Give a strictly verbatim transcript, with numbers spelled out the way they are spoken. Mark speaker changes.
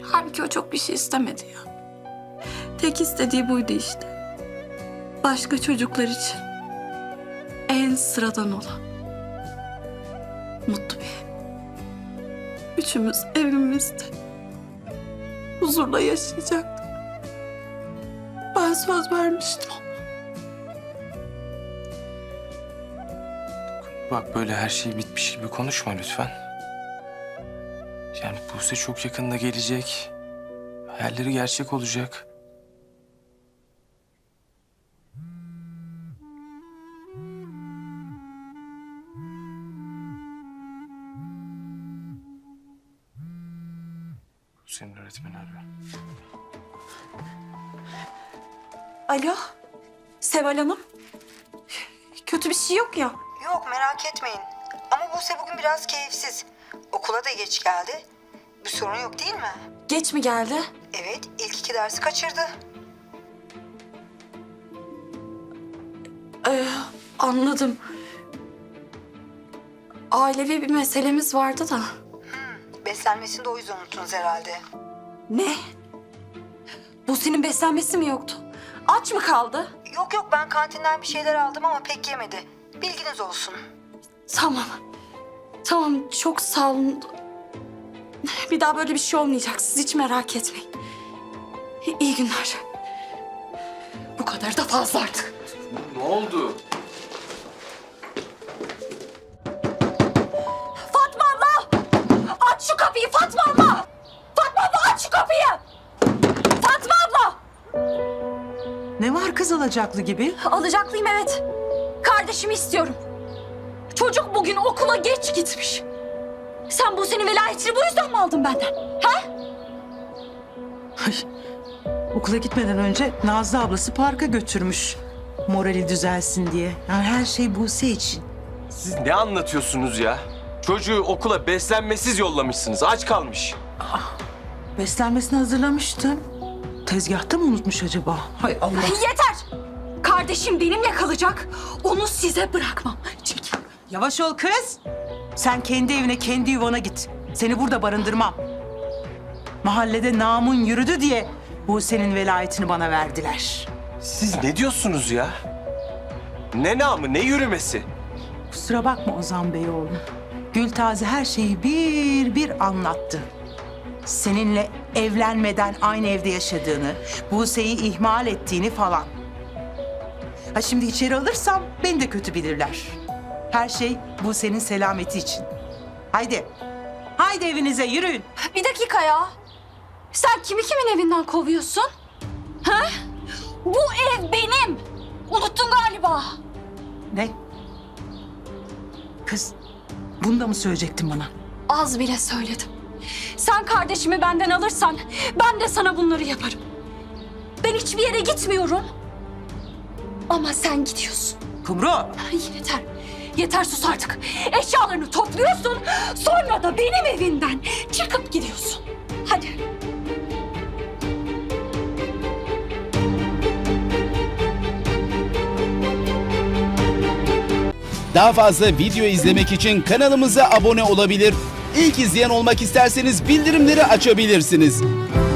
Speaker 1: Halbuki o çok bir şey istemedi ya. Tek istediği buydu işte. Başka çocuklar için en sıradan olan mutlu bir ev. Üçümüz evimizde huzurla yaşayacaktık. Ben söz vermiştim.
Speaker 2: Bak böyle her şey bitmiş gibi konuşma lütfen. Yani Buse çok yakında gelecek. Hayalleri gerçek olacak. Buse'nin öğretmeni arıyor.
Speaker 1: Alo, Seval Hanım. Kötü bir şey yok ya.
Speaker 3: Yok merak etmeyin. Ama Buse bugün biraz keyifsiz. Okula da geç geldi. Bir sorun yok değil mi?
Speaker 1: Geç mi geldi?
Speaker 3: Evet, ilk iki dersi kaçırdı.
Speaker 1: Ee, anladım. Ailevi bir meselemiz vardı da.
Speaker 3: Beslenmesini de o yüzden unuttunuz herhalde.
Speaker 1: Ne? Bu senin beslenmesi mi yoktu? Aç mı kaldı?
Speaker 3: Yok yok ben kantinden bir şeyler aldım ama pek yemedi. Bilginiz olsun.
Speaker 1: Tamam. Tamam, çok sağ olun. Bir daha böyle bir şey olmayacak. Siz hiç merak etmeyin. İyi günler. Bu kadar da fazla artık.
Speaker 2: Ne oldu?
Speaker 1: Fatma abla! Aç şu kapıyı Fatma abla! Fatma abla aç şu kapıyı! Fatma abla!
Speaker 4: Ne var kız alacaklı gibi?
Speaker 1: Alacaklıyım evet. Kardeşimi istiyorum. Çocuk bugün okula geç gitmiş. Sen bu senin velayetini bu yüzden mi aldın benden? Ha?
Speaker 4: Ay, okula gitmeden önce Nazlı ablası parka götürmüş. Morali düzelsin diye. Yani her şey Buse için.
Speaker 2: Siz ne anlatıyorsunuz ya? Çocuğu okula beslenmesiz yollamışsınız. Aç kalmış.
Speaker 4: Beslenmesini hazırlamıştım. Tezgahta mı unutmuş acaba? Hay Allah.
Speaker 1: Yeter! Kardeşim benimle kalacak. Onu size bırakmam. Çekil.
Speaker 4: Yavaş ol kız. Sen kendi evine, kendi yuvana git. Seni burada barındırmam. Mahallede namun yürüdü diye Buse'nin velayetini bana verdiler.
Speaker 2: Siz ne diyorsunuz ya? Ne namı, ne yürümesi?
Speaker 4: Kusura bakma Ozan Bey oğlum. Gültaze her şeyi bir bir anlattı. Seninle evlenmeden aynı evde yaşadığını, Buse'yi ihmal ettiğini falan. Ha şimdi içeri alırsam beni de kötü bilirler. Her şey Buse'nin selameti için. Haydi, haydi evinize yürüyün.
Speaker 1: Bir dakika ya. Sen kimi kimin evinden kovuyorsun? Ha? Bu ev benim. Unuttun galiba.
Speaker 4: Ne? Kız, bunu da mı söyleyecektin bana?
Speaker 1: Az bile söyledim. Sen kardeşimi benden alırsan ben de sana bunları yaparım. Ben hiçbir yere gitmiyorum. Ama sen gidiyorsun.
Speaker 4: Kumru!
Speaker 1: Ay, yeter. Yeter sus artık. Eşyalarını topluyorsun. Sonra da benim evimden çıkıp gidiyorsun. Hadi.
Speaker 5: Daha fazla video izlemek için kanalımıza abone olabilir. İlk izleyen olmak isterseniz bildirimleri açabilirsiniz.